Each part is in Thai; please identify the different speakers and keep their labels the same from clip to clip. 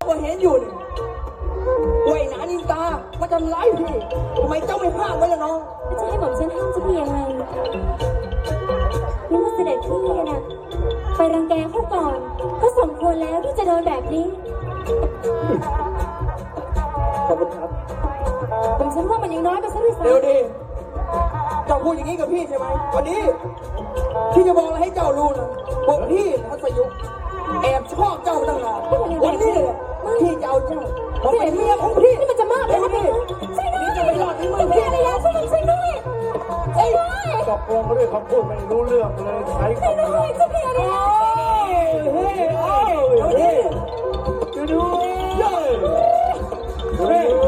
Speaker 1: ว่าเห็นอยู่นี่ว่าไอ้หนานินตามาทำร้ายพี่ทำไมเจ้าไม่ห้ามไว้ล่ะน้อง
Speaker 2: จะให้ผมฉันห้ามจะพี่ยังไงนี่ว่าเสด็จพี่น่ะไปรังแกเขาก่อนก็สมควรแล้วที่จะโดนแบบนี้
Speaker 1: ขอบคุณครับ
Speaker 2: ผมฉันว่ามันยังน้อยไปซะด้วยซ้ำ
Speaker 1: เดี๋ยวดีเจ้าพูดอย่างนี้กับพี่ใช่ไหมวันนี้พี่จะบอกอะไรให้เจ้ารู้นะบอกพี่ทัศยุแอบชอบเจ้ามาตั้งนานวันนี้เลยพี่จะเอาเจ้ามาเป็นเมียของพี่
Speaker 2: นี่มันจะมากไปแล้วพี่ช่วยด้วย
Speaker 1: นี่จะไม่รอดที่มือ
Speaker 2: พี่
Speaker 1: พี่
Speaker 2: อะไรยะช่วยด้วยช่วยด้วยช่วยด้วย
Speaker 3: ตกลงมาด้วยคำพูดไม่รู้เรื่องเลยใช้
Speaker 2: ช่วย
Speaker 3: คำ
Speaker 2: ด้
Speaker 3: ไร
Speaker 2: วยช่วยพี่อะไรยะ
Speaker 1: เฮ้ยเดี๋ยวนี้
Speaker 3: จะดูเย้เฮ้ย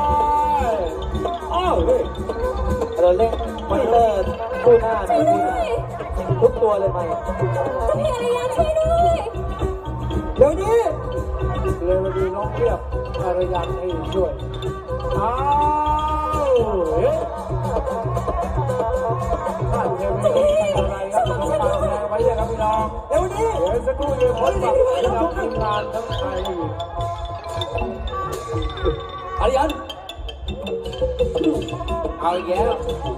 Speaker 3: อ้าวเฮ้ย
Speaker 4: เราเล่นมอนิเตอร์คู่หน้าในทีทุกตัวเลยไหม
Speaker 2: พี่อะไรยะช่วยด้วย
Speaker 1: เดี๋ยวนี้
Speaker 3: เลยมาดูน้องเรียบอารยันให้ช่วยอ้าวเฮ้ยท่านเทวีอะไรครับน้องปากแดงไว้ยังครับพี่น้อง
Speaker 1: เดี๋ยวนี้
Speaker 3: เดี๋ยวสักครู่เดียวพบกับทีมงานทั้งไทย
Speaker 1: อาริยัน
Speaker 4: เอาอีกแล้ว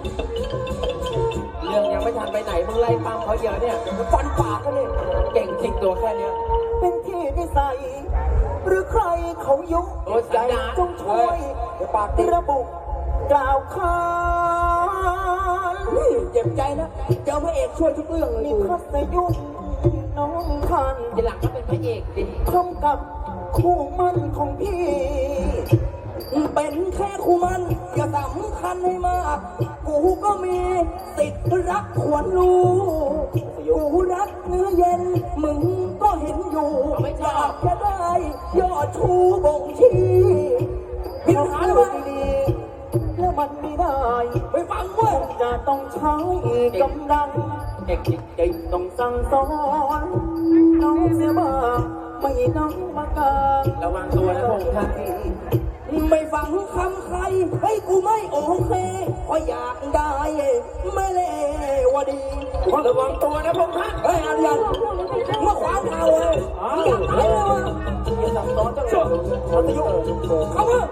Speaker 4: เรื่องยังไม่ทันไปไหนมึงไล่ตามเขาเยอะเนี่ย
Speaker 1: ฟันปากกันเลย
Speaker 4: เก่งจริงตัวแค่เนี้ย
Speaker 1: เป็นที่นิสัยหรือใครเขายุ
Speaker 4: โอ้ยใจ
Speaker 1: จงช่วยปากระบุกล่าวค้านเจ็บใจนะเจ้าพระเอกช่วยทุกเรื่องเลยนี่ทัศยุน้องทัน
Speaker 4: ทีหลังก็เป็นพระเอกดิ
Speaker 1: ทำกับคู่มั่นของพี่ เป็นแค่คู่มันอย่าสำคัญให้มากกูก็มีสิทธิ์รักควรรู้กูรักเนื้อเย็นมึงก็เห็นอยู่อยากจะได้ยอดชูบ่งชี้พิมหาเลยดีๆแล้วมันไม่ได้ไม่ฟังเว้ยจะต้องใช้กำลัง
Speaker 4: เก่งจริงจริง
Speaker 1: ต้องสั่งสอนน้องเสียบ้างไม่น้องมากาง
Speaker 4: ระวังตัวนะพงษ์ท่าน
Speaker 1: ไม่ฟังคำใครให้กูไม่โอเคเพราะอยากได้ไม่เลวดี
Speaker 4: ระวังตัวนะพงษ์ท่าน
Speaker 1: เฮ้ยอาริยันเมื่อขวางทางเลยอยากตายเลยวะ
Speaker 4: อย่าสับซ้อนจังเลย
Speaker 1: ทัศยุเข้ามา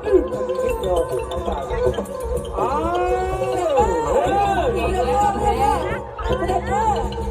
Speaker 3: อ้าว
Speaker 1: เด็กเด็ก